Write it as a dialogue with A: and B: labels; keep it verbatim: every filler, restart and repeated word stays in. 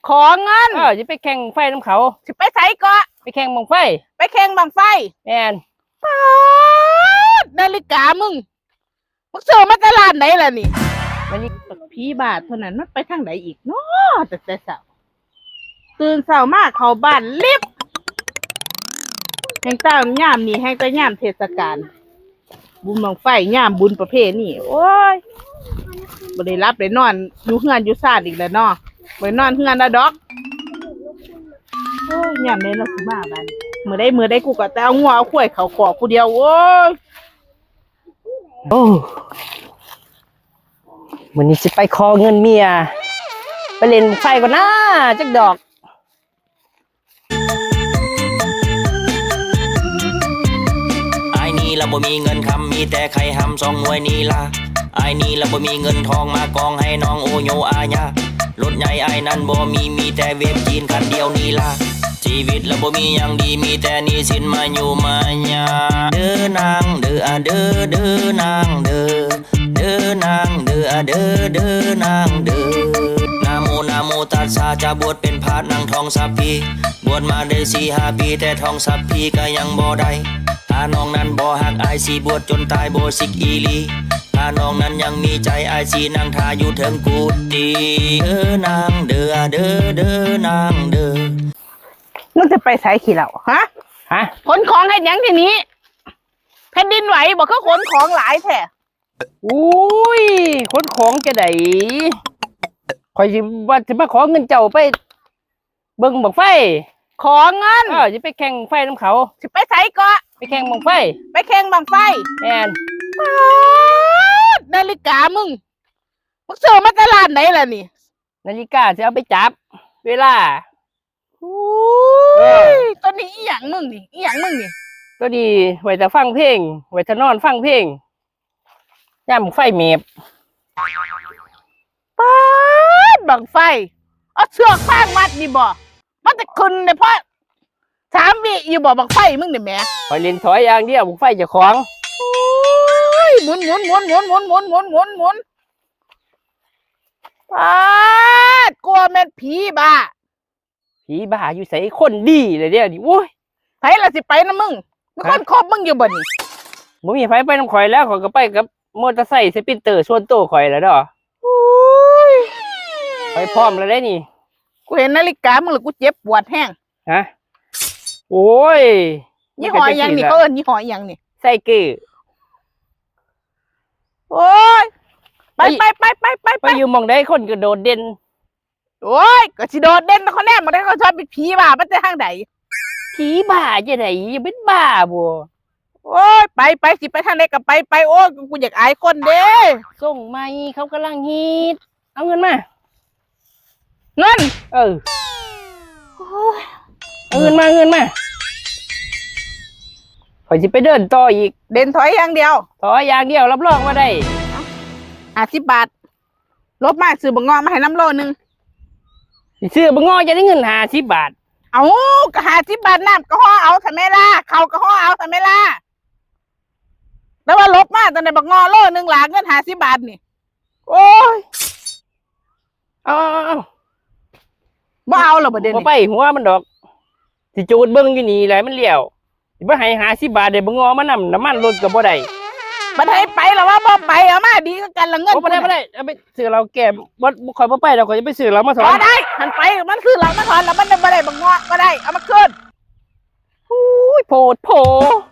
A: ขอเงิน
B: เออจะไปแข่งไฟน้ำเขา
A: สิไปใส่เกาะ
B: ไปแข่งบังไฟ
A: ไปแข่งบังไฟ
B: แม่น
A: ป๊าดนาฬิกามึงมึงซื้อมาตลาดไหนล่ะนี่มันนี่ผีบาทเท่านั้นมันไปทางไหนอีกเนาะแต่แต่เช้าตื่นเช้ามากเข้าบ้านลิฟต์แห่งเต้าย่ามนี่แห่งแต่ย่ามเทศกาลบุญบังไฟย่ามบุญประเภทนี่โอ้ยบ่ได้รับได้นอนอยู่เฮือนอยู่ซ่านอีกแล้วเนาะบ่ได้นอนเฮือนแล้วดอกโอ้ยย่ามใดเราสิมาบ้านมื้อใดมื้อใดกูก็แต่เอางัวเอาควายเข้าคอกผู้เดียวโอ้ย
B: โอ้วันนี้จะไปขอเงินเมียไปเล่นไฟก่อนนะจักดอก
C: ไอ้นี่เราบ่มีเงินคำมีแต่ไข่หำสองหน่วยนี่ล่ะไอ้นี่เราบ่มีเงินทองมากองให้น้องโอโยอาญารถใหญ่ไอ้นั่นบ่มีมีแต่เวฟจีนคันเดียวนี่ล่ะชีวิตเราบ่มีอย่างดีมีแต่หนี้สินมาอยู่มาญาเด้อนางเด้ออะเด้อเด้อนางเด้อเด้อนางเด้ออะเด้อเด้อนางเด้อนาโมนาโมตัสสะจะบวชเป็นพระนางทองสัพพีบวชมาได้สี่ห้าปีแต่ทองสัพพีก็ยังบ่ได้ถ้าน้องนั้นบ่หักอายสิบวชจนตายบ่สิกอีลีถ้าน้องนั้นยังมีใจอายสินั่งท่าอยู่เทิงกุฏิเด้อนางเด้อเด้อเด้อนางเด้อ
A: มึงจะไปใส่ขี้เหล่าฮะ
B: ฮะ
A: ขนของให้ยังทีนี้แผ่นดินไหวบอกเขาขนของหลายแท้
B: อุ้ยขนของจะได้คอยสิว่าจะมาขอเงินเจ้าไปเบิ่งบังไฟ
A: ขอเงิน
B: เออจะไปแข่งไฟน้ำเขา
A: สิไปใส่เกาะ
B: ไปแข่งบังไฟ
A: ไปแข่งบังไฟ
B: แม่น
A: นาฬิกามึงมึงซื้อมาตลาดไหนล่ะนี่
B: นาฬิกาจะเอาไปจับเวลา
A: โอ้ยตัวนี้อีหยังมึงนี่อีหยังมึงนี่
B: ตัวนี้ไว้จะฟังเพลงไว้จะนอนฟังเพลงย่ำไฟเมบ
A: ป๊าดบังไฟเอาเชือกฟางมัดนี่บ่มันจะขึ้นเลยเพราะสามวิอยู่บ่บังไฟมึงนี่แหม
B: คอยเล่นถอยอย่างเดียวบังไฟจะของ
A: โอ้ยหมุนหมุนหมุนหมุนหมุนหมุนหมุนหมุนหมุนป๊าดกลัวแม่นผีบ้า
B: ผีบ้าอยู่ใส่คนดีเลยเดี๋ยวนี้โว้ย
A: ไผล่ะสิไปนะมึงมีคนคบมึงอยู่บ่นี่
B: บ่มีไผไปน้ำข่อยแล้วข่อยก็ไปกับมอเตอร์ไซค์สปินเตอร์ส่วนตัวข่อยแล้วเด้อ
A: โอ้ย
B: ไปพร้อมแล้วได้นี่
A: กูเห็นนาฬิกามึงแล้วกูเจ็บปวดแห้ง
B: ฮะโอ้ย
A: ยี่ห้อยังนี่เขาเอิ้นยี่ห้อยังนี่
B: ไซเกอร์
A: โอ้ยไปไปไปไปไป
B: ไปอยู่มองได้คนก็โดดเด่น
A: โอ้ยก็สิโดดเด่นเขาแน่มาได้เขาชอบเป็นผีบ้ามันจะทางไหน
B: ผีบ้าจะไหนยังเป็นบ้าบัว
A: โอ้ยไปไปสิไปทางไหนก็ไปไปโอ้ยกูอยากอายคนเด้
B: ส่งมาเขากำลังฮิตเอาเงินมา
A: เงิน
B: เออเอาเงินมาเงินมาข่อยจะไปเดินต่ออีก
A: เดินถอยอย่างเดียว
B: ถอยอย่างเดียวรับรองว่าได้
A: ห้าสิบบาทลบมาซื้อบังงอมาให้น้ำโลนึง
B: ซื้อบังงอจะได้เงินห้าสิบบาท
A: เอาก็ห้าสิบบาทน้ำก็ห่อเอาทำไมล่ะเขาก็ห่อเอาทำไมล่ะแล้วว่าลบมาตอนในบังงอโลนึงหลาเงินห้าสิบบาทนี่โอ้ย
B: เอาเอา
A: บ่เอาหรอประเด็น
B: บ่ไปหัวมันดอกสิจูดเบิ้งอยู่นี่แหละมันเลี้ยวสิบ่ให้ห้าสิบบาทเดี๋ยวบังงอมานำน้ำมันรถกับบ่ได้
A: บ่ได้ไปหรอว่าบ่ไปเอามาดีกันละเงิน
B: บ่ได้บ่ได้เอาไปซื้อเราแก่บ่คอยบ่ไปเราก็จะไปซื้อเรามาถอน
A: บ่ได้มันไปมันคือเรามาถอนแล้วมันบ่ได้บังงอบ่ได้เอามาคืน
B: โอ้ยโพดโผ